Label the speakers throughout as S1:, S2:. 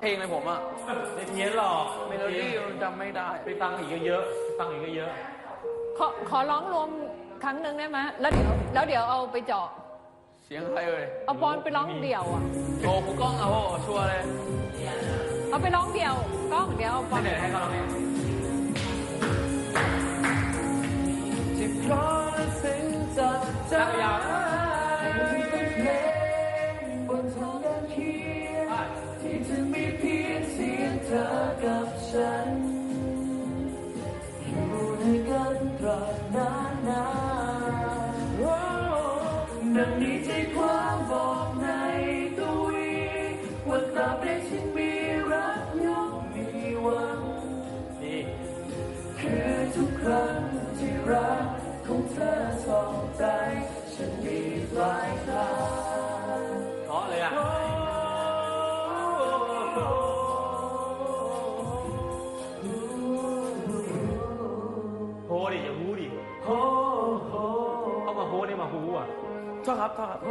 S1: เพลงอะไรผมอ่ะ
S2: ไม่เพี้ยนหรอก
S1: เมโลดี้จำไม่ได้
S2: ไปฟังอีกเยอะๆไปฟังอีกเยอะ
S3: ขอร้องรวมครั้งหนึ่งได้ไหมแล้วเดี๋ยวเอาไปเจาะ
S1: เสียงใครเอ่ย
S3: เอาปอนไปร้องเดี่ยวอ่ะ
S1: โอ้ครูกล้องเอาชัวร์เลย
S3: เอาไปร้องเดี่ยวกล้องเดี๋ยวเอาปอน
S2: ๆให้เขาร้องเอง
S1: ที่เพราะสิ่งจัดจ้านบนทางเดินเคียงที่จะมีเพียงเสียงเธอกับฉันอยู่ด้วยกันตราบนานดังนี้ใจความบอกในตัวว่าตราบใดฉันมีรักย่อมมีหวังคือทุกครั้งที่รักของเธอส่องใจฉันมีปลายทาง
S2: เพราะเลยอ่ะโฮดิอย่าฮูดิ
S1: โฮ
S2: เข้ามาโฮนี่มาฮูอ่ะ
S1: ชอบครับ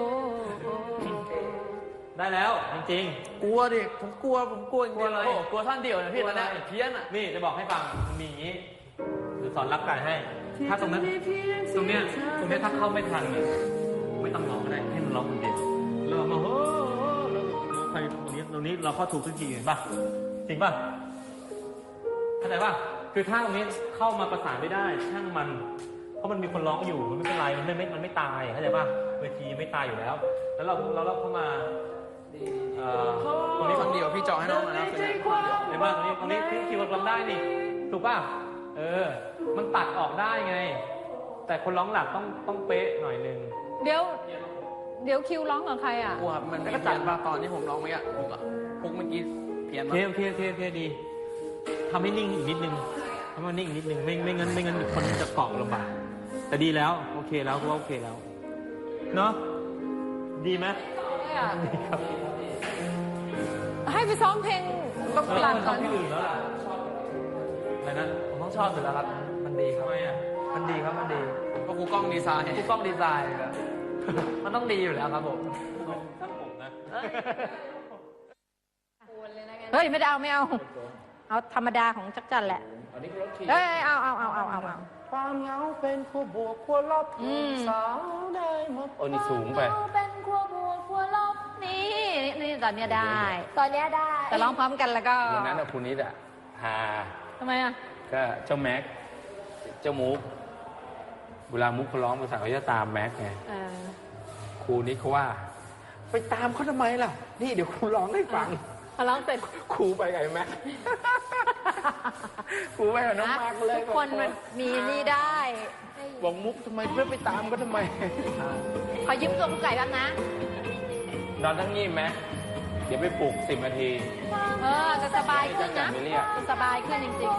S2: ได้แล้วจริง
S1: ๆกลัวดิผมกลัวจริงๆเลยกลัวท่านเดียวนะพี่ตอนนี้เพี้ยนอ่ะ
S2: นี่จะบอกให้ฟังมีอย่างนี้หรือสอนรับไก่ให้ถ้าตรงนั้นตรงเนี้ยถ้าเข้าไม่ทันไม่ต้องร้องก็ได้ให้มันร้องคนเดียวเรามาโฮใครตรงนี้เราเข้าถูกทุกทีเห็นป่ะจริงป่ะเข้าใจป่ะคือถ้าตรงนี้เข้ามาประสานไม่ได้ช่างมันเพราะมันมีคนร้องอยู่มันไม่เป็นไรมันไม่ตายเข้าใจป่ะเวทีไม่ตายอยู่แล้วแล้วเราเข้ามา
S1: ตรงนี้คนเดียวพี่เจาะให้น้องนะ
S2: เห็นป่ะตรงนี้คิวร้องได้นี่ถูกป่ะมันตัดออกได้ไงแต่คนร้องหลักต้องเป๊ะหน่อยนึง
S3: เดี๋ยวคิวร้องกับใครอ่ะ
S1: กลัวมันก็จัดมาตอนที่ผมร้องเมื่อกี้พุกเมื่อกี้เพี้ยนมา
S2: โอเคดีทำให้นิ่งอีกนิดนึงทำให้นิ่งอีกนิดนึงไม่งั้นคนจะเกาะลำบากแต่ดีแล้วโอเคแล้วก็โอเคแล้วเนาะดีไหมดีครับ
S3: ให้ไปซ้อมเพลงประกาศก่อน
S2: ที่อื่นแล้วล่ะอะไรนะ
S1: ผมต้องชอบอยู่แล้วครับมันดีครับมันดีครับมันดีก็ครูกล้องดีไซน์มันต้องดีอยู่แล้วครับผม
S2: ช่างผมนะ
S3: เฮ้ยไม่เอาธรรมดาของจักรจันแหละเฮ้ยเอา
S1: ความเหงาเป็นขั้วบวกขั้วลบสาวได้หมด
S2: นี่สูงไป
S3: เป็นขั้วบวกขั้วลบนี่ตอนเนี้ยได้แต่ร้องพร้อมกันแล้วก็
S2: วันนั้นคุณนิดฮา
S3: ทำไมอ่ะ
S2: ก็เจ้าแม็กเจ้ามุกเวลามุกเขาร้องภาษาเขาจะตามแม็กไงครูนิดเขาว่าไปตามเขาทำไมล่ะนี่เดี๋ยวครูร้องให้ฟัง
S3: พอร้องเสร็จ
S2: ครูไปไงแม็กครูไปกับน้องมาร์กเลย
S3: ทุกคนมันมีนี่ได้
S2: บอกมุกทำไมเพื่อไปตามก็ทำไม
S3: ขอยืมตัวผู้ไก่บ้างนะ
S2: นอนทั้งงี้ไหมเดี๋ยวไปปลุก10 นาที
S3: จะสบายขึ้นนะจะสบายขึ้นจริงๆ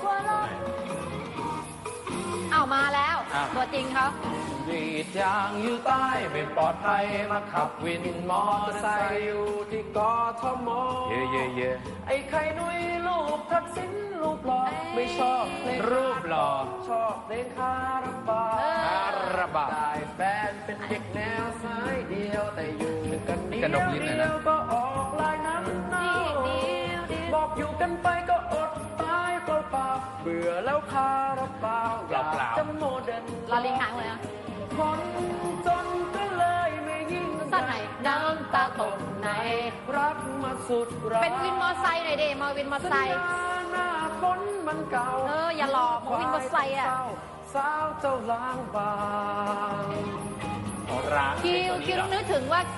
S3: เอามาแล้วตัวจริงเขา
S1: วีดยางอยู่ใต้ไม่ปลอดภัยมาขับวินมอเตอร์ไซค์อยู่ที่กทมไอ้ไข่นุ้ยลูกทักษิณรูปหล่อไม่ชอบ
S2: รูปหล่อ
S1: ชอบเล่นคาราบาได้แฟนเป็นเด็กแนวสายเดียวแต่อยู่กันเดียวก็ออกลายนั้นบอกอยู่กันไปก็อดตายเปล่าเบื่อแล้วคาราบาวอยากจะโมเดิร์น
S3: ลาลิงหางเลยอะ
S1: คนจนก็เลยไม่ยิ่ง
S3: สั้นไหนน้ำตาตกไหน
S1: รักมาสุดรัก
S3: เป็นวินมอไซค์หน่อยดิมาวินมอไซค์
S1: หน้าฝนมันเก่า
S3: อย่าหลอกมาวินมอไซค์อะ
S1: สาวเจ้าล้างบาง
S3: คิวต้องนึกถึงว่า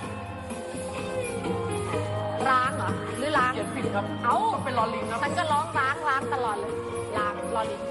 S3: ร้างเหรอหรือล้าง
S1: ผิดครับ
S3: เป็นลอลิงครับฉันก็ร้องล้างตลอดเลยล้างลอลิง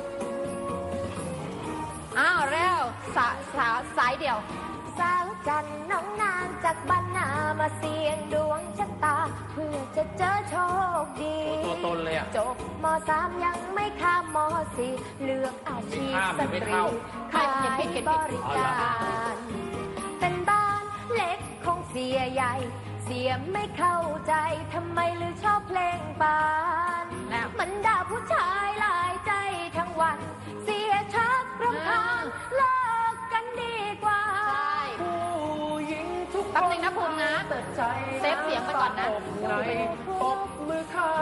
S3: เร็วสายเดี่ยว
S4: สาวจันน้องนางจากบ้านนามาเสี่ยงดวงชะตาเพื่อจะเจอโชคดี
S1: ตัวตนเลยอ่ะ
S4: จบม.3 ยังไม่ข้ามม.4 เลือกอาชีพสตรีขายบริการเป็นบ้านเล็กของเสียใหญ่เสียไม่เข้าใจทำไมลือชอบเพลงปานมันด่าผู้ชายหลายใจทั้งวันเสียชักรำคาญเลิกกันดีกว่า
S3: แป๊บนึงนะภูมินะเซฟเสียงไปก่อนนะ
S1: ปบมือข้า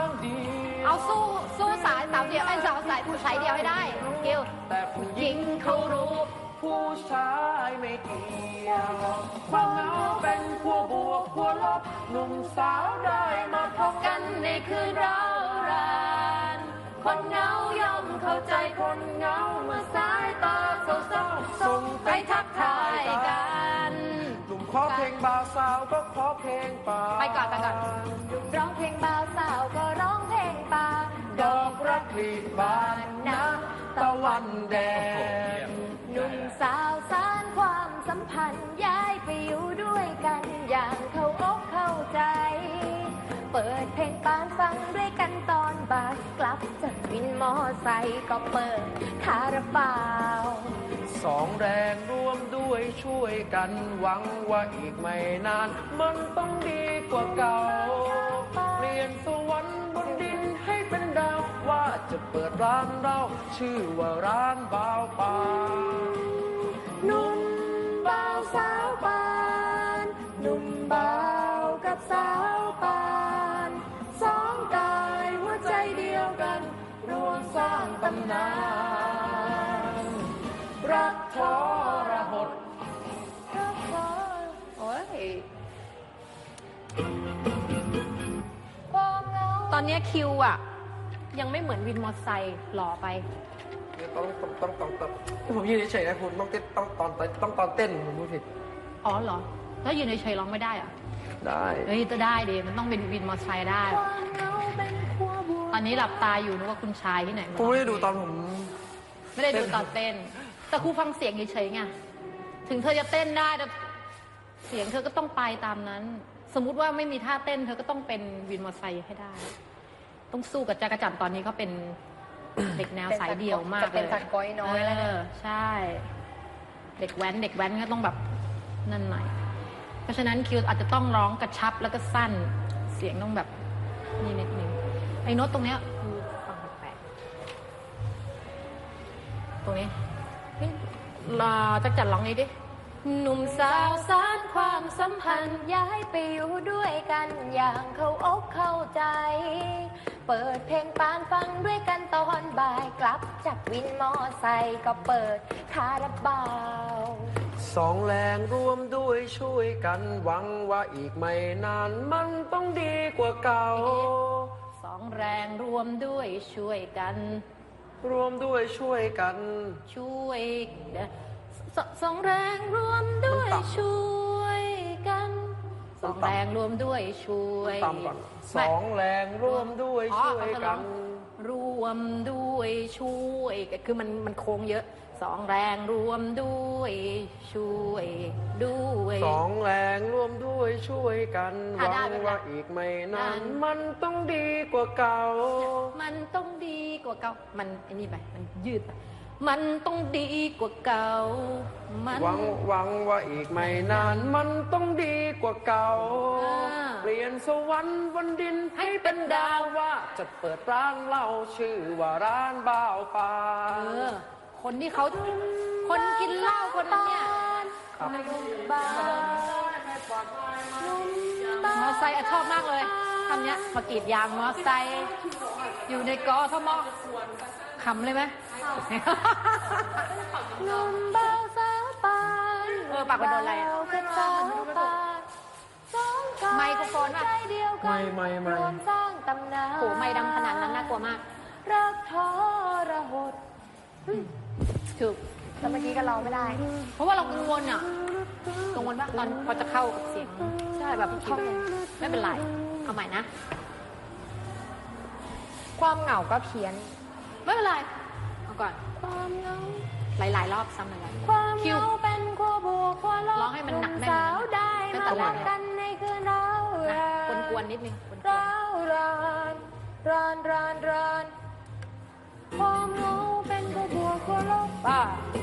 S3: สู้สายสาวเดียวไอ้สาวสายสายเดียวให้ได้กิว
S1: แต่ผู้หญิงเขารู้ ผู้ชายไม่เกี่ยวความเหงาเป็นขั้วบวกขั้วลบหนุ่มสาวได้มาพบกันในคืนเรารานคนเหงาย่อมเข้าใจคนเหงาเมื่อสายตาเศร้าๆส่งไปทักทายกันหนุ่มขอเพลงบ่าวสาวก็ขอเพลงป่า
S3: ไปก่อน
S4: ร้องเพลงบ่าวสาวก็ร้องเพลงป่า
S1: ดอกรักผลิบานนะตะวันแดง
S4: หนุ่มสาวสานความสัมพันธ์ย้ายไปอยู่ด้วยกันอย่างเข้าอกเข้าใจ เปิดเพลงปานฟังด้วยกันตอนบ่ายกลับจากวินมอไซค์ก็เปิดคาราบาว
S1: สองแรงร่วมด้วยช่วยกันหวังว่าอีกไม่นาน มันต้องดีกว่าเก่า เปลี่ยนสวรรค์บนดินให้เป็นดาว ว่าจะเปิดร้านเราชื่อว่าร้านบ่าวป่า
S4: หนุ่มบ่าวสาวปานหนุ่มบ่าวกับสาวปานสองกายหัวใจเดียวกันรวมสร้างตำนาน
S1: รักทรหด
S4: รักเธอ
S3: โอ้ย
S4: ความเหงา
S3: ตอนเนี้ยคิวอ่ะ ยังไม่เหมือนวินมอเตอร์ไซค์หล่อไป
S1: ต้องผมยืนเฉยๆนะคุณต้องเต้นต้องตอนเต้นผมพูดผิด
S3: อ๋อเหรอ ถ้ายืนเฉยๆร้องไม่ได้เหรอะ
S1: ได้
S3: เฮ้ยจะได้ดิมันต้องเป็นวินมอเตอร์ไซค์ได้
S4: ความเหงาเป็นขั้วบวก
S3: ตอนนี้หลับตาอยู่นึกว่าคุณชายที่ไหน
S1: ผมไม่ได้ดูตอนผม
S3: ไม่ได้ดูตอนเต้น แต่ครูฟังเสียงเฉยๆไงถึงเธอจะเต้นได้แต่เสียงเธอก็ต้องไปตามนั้น สมมุติว่าไม่มีท่าเต้น เธอก็ต้องเป็นวินมอเตอร์ไซค์ให้ได้ ต้องสู้กับจักรจันทร์ตอนนี้เขาเป็น เด็กแนวสายเดี่ยวมากเลย
S4: จะเป็นสัตว์ก้อยน้อยแล้วเนี่ย
S3: ใช่ เด็กแว้นก็ต้องแบบนั่นหน่อย เพราะฉะนั้นคิวอาจจะต้องร้องกระชับแล้วก็สั้น เสียงต้องแบบนี่นิดนึงไอ้โน้ตตรงเนี้ยคือฟังแปลกๆตรงนี้นี่จักรจันทร์ร้องนี้ดิ
S4: หนุ่มสาวสานความสัมพันธ์ย้ายไปอยู่ด้วยกันอย่างเข้าอกเข้าใจ เปิดเพลงปานฟังด้วยกันตอนบ่ายกลับจากวินมอไซค์ก็เปิดคาราบาว
S1: สองแรงร่วมด้วยช่วยกันหวังว่าอีกไม่นานมันต้องดีกว่าเก่า
S3: สองแรงรวมด้วยช่วยกัน
S1: รวมด้วยช่วยกัน
S3: ช่วยสองแรงรวมด้วย
S1: มันต่ำ
S3: ช่วยกันสอง
S1: มันต่ำ
S3: แรงรวมด้วยช่วย
S1: ตามก่อนสองแรงร่วมด้วย
S3: อ๋อ
S1: ช่วยกัน
S3: รวมด้วยช่วยกันคือมันโค้งเยอะสองแรงรวมด้วยช่วยด้วย
S1: สองแรงร่วมด้วยช่วยกันห
S3: อ่ะ
S1: วั
S3: ได้
S1: ง
S3: ไม่เป็นไร
S1: ว่าอีกไม่นาน
S3: นั้น
S1: มันต้องดีกว่าเก่า
S3: มันต้องดีกว่าเก่ามันไอ้นี่ไปมันยืดไปมันต้องดีกว่าเก่ามัน
S1: หวังว่าอีกไม่นาน มันต้องดีกว่าเก่า
S3: อ่า
S1: เปลี่ยนสวรรค์บนดินให้เป็นดาวว่าจะเปิดร้านเหล้าชื่อว่าร้านบ่าวป่า
S3: คนที่เขาคนกินเหล้าคนนั้นเนี่ย
S1: ครับ
S4: บ้าน
S3: มอไซค์ชอบมากเลยคำเนี้ยมากรีดยางมอไซค์อยู่ในกอทมขำเลยไหม
S4: หนุ่มบ่าวสาวปาน
S3: ปากไปโดนอะไรอะ
S4: บ่าวกับสาวปานสองกาย
S3: ไมโครโฟนป่ะ
S4: ใจเดียวกัน
S1: ไม่
S4: รวมสร้างตำนาน
S3: โหไม่ดังขนาดนั้นน่ากลัวมาก
S4: รักทรหด
S3: ถูก
S4: แต่เมื่อกี้ก็ร้องไม่ได้
S3: เพราะว่าเรากังวลอ่ะกังวลว่าตอนพอจะเข้ากับเสียงใช่แบบท่องไม่เป็นไรเอาใหม่นะ
S4: ความเหงาก็เพี้ยน
S3: ไม่เป็นไรเอาก่อน
S4: ความเหงา
S3: หลายๆรอบซ้ำหลายๆ
S4: ความ
S3: คิ
S4: เห
S3: ว
S4: งาเป็นขั้วบวกขั้วลบ
S3: ร้องให้มันหนักแน่น
S4: สาวได้
S3: ตั้ง
S4: มา
S3: แต่แร
S4: รั
S3: ก
S4: ก
S3: เลย
S4: กันในคืนเรา
S3: นะ
S4: ราน
S3: กวนๆนิดนึงกวน
S4: ร้าวรานความเหงาเป็นขั้วบวกขั้วลบ
S3: ๆป้า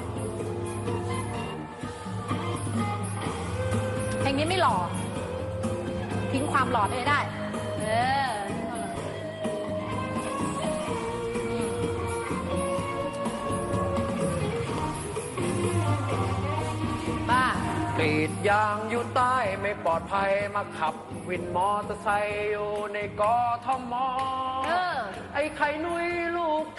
S3: เพลงนี้ไม่หล่อทิ้งความหล่อไปได้ เออป้า
S1: กรีดยางอยู่ใต้ไม่ปลอดภัยมาขับ วินมอเตอร์ไซค์อยู่ในกทม
S3: เออ
S1: ไอ้ไข่นุยลูก